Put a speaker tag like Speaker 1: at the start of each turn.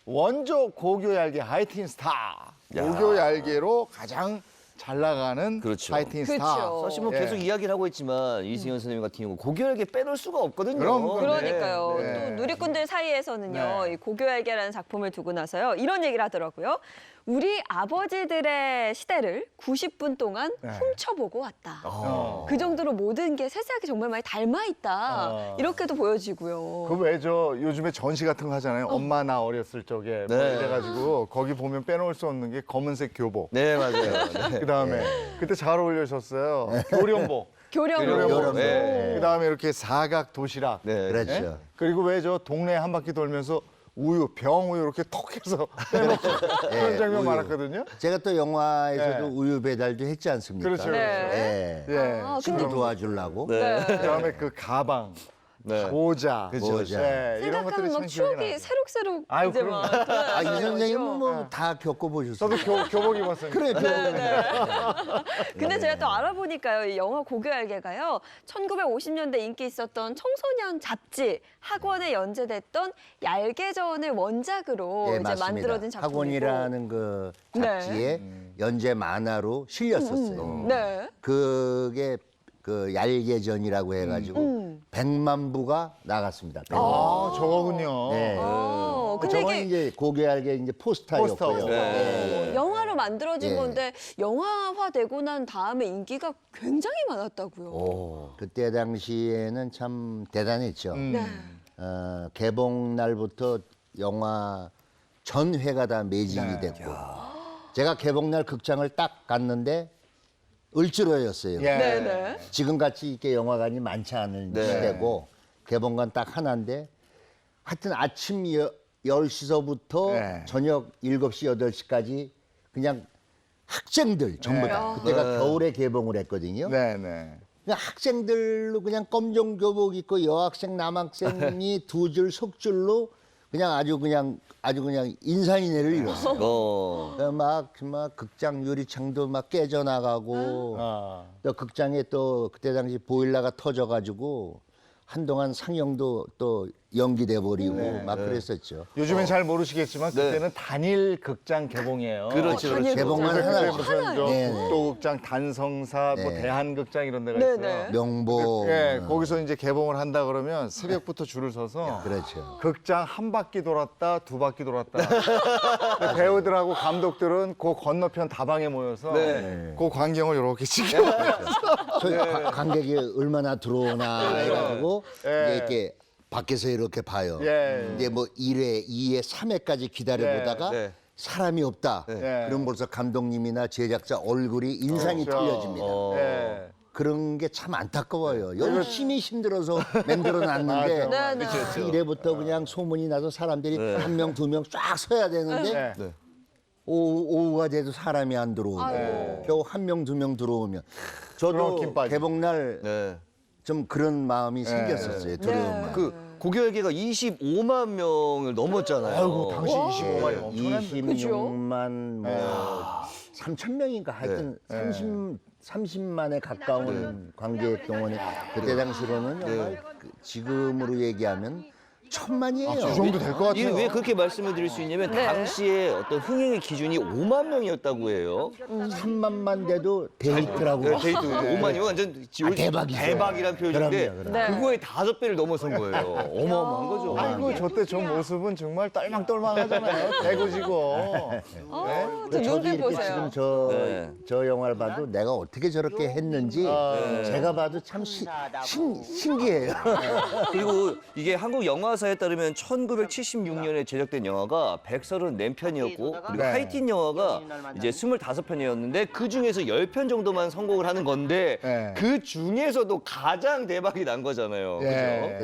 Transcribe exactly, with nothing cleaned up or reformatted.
Speaker 1: 원조 고교 얄개 하이틴 스타. 고교 얄개로 가장 잘 나가는
Speaker 2: 그렇죠.
Speaker 1: 하이틴 스타.
Speaker 3: 그렇죠.
Speaker 2: 사실 뭐
Speaker 1: 예.
Speaker 2: 계속 이야기를 하고 있지만 이승현 선생님 같은 경우 고교열계 빼놓을 수가 없거든요.
Speaker 1: 그럼, 그럼.
Speaker 3: 그러니까요.
Speaker 1: 네.
Speaker 3: 또 누리꾼들 사이에서는요,
Speaker 1: 네.
Speaker 3: 이 고교열개라는 작품을 두고 나서요, 이런 얘기를 하더라고요. 우리 아버지들의 시대를 구십 분 동안
Speaker 1: 네.
Speaker 3: 훔쳐보고 왔다.
Speaker 1: 어.
Speaker 3: 그 정도로 모든 게 세세하게 정말 많이 닮아 있다.
Speaker 1: 어.
Speaker 3: 이렇게도 보여지고요.
Speaker 1: 그 왜 저 요즘에 전시 같은 거 하잖아요. 엄마 나 어렸을 적에 뭐
Speaker 2: 네.
Speaker 1: 이래가지고 거기 보면 빼놓을 수 없는 게 검은색 교복.
Speaker 2: 네, 맞아요. 네.
Speaker 1: 그다음에 그때 잘 어울리셨어요. 교련복.
Speaker 3: 교령으로.
Speaker 1: 교련복.
Speaker 2: 교련복. 네.
Speaker 1: 그다음에 이렇게 사각 도시락.
Speaker 2: 네.
Speaker 4: 그렇죠.
Speaker 1: 예? 그리고 왜 저 동네 한 바퀴 돌면서 우유, 병 우유 이렇게 톡 해서 빼놓고 그런
Speaker 4: 예,
Speaker 1: 장면
Speaker 4: 우유.
Speaker 1: 많았거든요.
Speaker 4: 제가 또 영화에서도
Speaker 1: 네.
Speaker 4: 우유 배달도 했지 않습니까?
Speaker 1: 그렇죠.
Speaker 3: 네.
Speaker 4: 예.
Speaker 1: 예.
Speaker 3: 아,
Speaker 4: 친구
Speaker 3: 근데
Speaker 4: 도와주려고.
Speaker 2: 네.
Speaker 1: 그다음에 그 가방,
Speaker 2: 네.
Speaker 1: 모자,
Speaker 4: 그죠,
Speaker 1: 모자. 예, 이런 것들이
Speaker 3: 생각하면
Speaker 1: 참
Speaker 3: 막
Speaker 1: 기억이
Speaker 3: 추억이
Speaker 1: 나요.
Speaker 3: 새록새록
Speaker 1: 아유,
Speaker 3: 이제
Speaker 1: 그럼요.
Speaker 3: 막
Speaker 4: 아, 이
Speaker 3: 돌아다니는
Speaker 4: 선생님은
Speaker 3: 거죠.
Speaker 4: 뭐 다 겪어보셨어요.
Speaker 1: 저도 교, 교복 입었어요.
Speaker 4: 그래,
Speaker 3: 근데 제가 또 알아보니까요, 이 영화 고교알개가요, 천구백오십 년대 인기 있었던 청소년 잡지 학원에 연재됐던 얄개전을 원작으로
Speaker 4: 예,
Speaker 3: 이제
Speaker 4: 맞습니다.
Speaker 3: 만들어진 작품이고.
Speaker 4: 학원이라는 그
Speaker 3: 네.
Speaker 4: 잡지에 연재 만화로 실렸었어요.
Speaker 3: 네.
Speaker 4: 그게 그 얄개전이라고 해가지고
Speaker 3: 음.
Speaker 4: 백만 부가 나갔습니다.
Speaker 1: 아, 저거군요.
Speaker 4: 네.
Speaker 3: 어, 근데
Speaker 4: 저건
Speaker 3: 이게
Speaker 4: 이제 고교얄개 이제 포스터였고요.
Speaker 1: 포스터.
Speaker 2: 네.
Speaker 3: 어, 영화로 만들어진
Speaker 4: 예.
Speaker 3: 건데 영화화되고 난 다음에 인기가 굉장히 많았다고요.
Speaker 4: 오, 그때 당시에는 참 대단했죠.
Speaker 1: 음.
Speaker 3: 네.
Speaker 4: 어, 개봉 날부터 영화 전회가 다 매진이
Speaker 1: 네.
Speaker 4: 됐고 제가 개봉 날 극장을 딱 갔는데 을지로였어요.
Speaker 1: 예.
Speaker 3: 네네.
Speaker 4: 지금같이 이렇게 영화관이 많지 않은
Speaker 2: 네.
Speaker 4: 시대고 개봉관 딱 하나인데 하여튼 아침 여, 열 시서부터
Speaker 1: 네.
Speaker 4: 저녁 일곱 시, 여덟 시까지 그냥 학생들 전부 다.
Speaker 3: 네.
Speaker 4: 그때가
Speaker 2: 네.
Speaker 4: 겨울에 개봉을 했거든요.
Speaker 1: 네, 네.
Speaker 4: 그냥 학생들로 그냥 검정 교복 입고 여학생 남학생이 두 줄 속줄로 그냥 아주 그냥 아주 그냥 인산인해를 이뤘어요.
Speaker 2: 어.
Speaker 4: 막, 막 극장 유리창도 막 깨져나가고
Speaker 1: 아.
Speaker 4: 또 극장에 또 그때 당시 보일러가 터져가지고 한동안 상영도 또 연기돼 버리고 막 그랬었죠.
Speaker 1: 요즘엔 잘 모르시겠지만
Speaker 2: 네.
Speaker 1: 그때는 단일 극장 개봉이에요.
Speaker 2: 그렇죠,
Speaker 3: 단일
Speaker 2: 그렇죠.
Speaker 4: 개봉만
Speaker 1: 그래서
Speaker 4: 하나
Speaker 1: 그때 무슨 저
Speaker 4: 네, 네.
Speaker 1: 국도극장, 단성사, 뭐
Speaker 4: 네.
Speaker 1: 대한극장 이런 데가
Speaker 3: 네,
Speaker 1: 있어요.
Speaker 3: 네.
Speaker 4: 명보.
Speaker 1: 예, 거기서 이제 개봉을 한다 그러면 새벽부터 줄을 서서
Speaker 4: 그렇죠.
Speaker 1: 극장 한 바퀴 돌았다, 두 바퀴 돌았다. 근데 배우들하고 감독들은 그 건너편 다방에 모여서
Speaker 2: 네.
Speaker 1: 그 광경을 이렇게 지켜.
Speaker 4: 저희 가- 관객이 얼마나 들어오나 해가지고
Speaker 1: 네.
Speaker 4: 이제 이렇게 밖에서 이렇게 봐요.
Speaker 1: 예.
Speaker 4: 이제 뭐 일 회, 이 회, 삼 회까지 기다려보다가
Speaker 2: 네. 네.
Speaker 4: 사람이 없다.
Speaker 1: 네.
Speaker 4: 그럼 벌써 감독님이나 제작자 얼굴이 인상이
Speaker 1: 그렇죠.
Speaker 4: 틀려집니다.
Speaker 2: 어.
Speaker 1: 예.
Speaker 4: 그런 게 참 안타까워요. 열심히 힘들어서 만들어놨는데
Speaker 3: 맞아. 네, 네.
Speaker 4: 아, 이래부터 그냥 소문이 나서 사람들이
Speaker 2: 네.
Speaker 4: 한 명, 두 명 쫙 서야 되는데
Speaker 1: 네.
Speaker 2: 네.
Speaker 4: 오후, 오후가 돼도 사람이 안 들어오고
Speaker 3: 아이고.
Speaker 4: 겨우 한 명, 두 명 들어오면
Speaker 1: 그럼
Speaker 4: 저도
Speaker 1: 김 빠지.
Speaker 4: 개봉날
Speaker 2: 네.
Speaker 4: 좀 그런 마음이 생겼었어요. 두려운
Speaker 3: 네.
Speaker 4: 마음.
Speaker 2: 그 고교열계가 이십오만 명을 넘었잖아요.
Speaker 1: 아이고, 당시 이십오만이 엄청난데.
Speaker 4: 이십육만 뭐 삼천 명인가 하여튼 삼십 삼십만에 가까운 관객 동원이 그때 당시로는 정말 그 지금으로 얘기하면 천만이에요.
Speaker 1: 그 정도 될 것
Speaker 2: 이게
Speaker 1: 같아요.
Speaker 2: 왜 그렇게 말씀을 드릴 수 있냐면
Speaker 3: 네.
Speaker 2: 당시에 어떤 흥행의 기준이 오만 명이었다고 해요.
Speaker 4: 삼만만 돼도 데이트라고.
Speaker 2: 네, 데이트 오만이면 완전
Speaker 4: 아, 대박이죠.
Speaker 2: 대박이란 표현인데
Speaker 4: 그럼요, 그럼요.
Speaker 3: 네.
Speaker 2: 그거의 다섯 배를 넘어선 거예요. 어마어마한 거죠.
Speaker 1: 아이고, 저때 저 모습은 정말 떨망떨망하잖아요. 대구지고.
Speaker 3: 아, 저
Speaker 4: 저도
Speaker 3: 눈빛
Speaker 4: 이렇게
Speaker 3: 보세요.
Speaker 4: 지금 저,
Speaker 2: 네.
Speaker 4: 저 영화를 봐도 내가 어떻게 저렇게 했는지 제가 봐도 참 시, 신, 신기해요.
Speaker 2: 그리고 이게 한국 영화사에 따르면 천구백칠십육 년에 제작된 영화가 백삼십사 편이었고 그리고
Speaker 1: 네.
Speaker 2: 하이틴 영화가 이제 이십오 편이었는데 그 중에서 십 편 정도만 성공을 하는 건데
Speaker 1: 네.
Speaker 2: 그 중에서도 가장 대박이 난 거잖아요.
Speaker 1: 예.
Speaker 2: 그죠?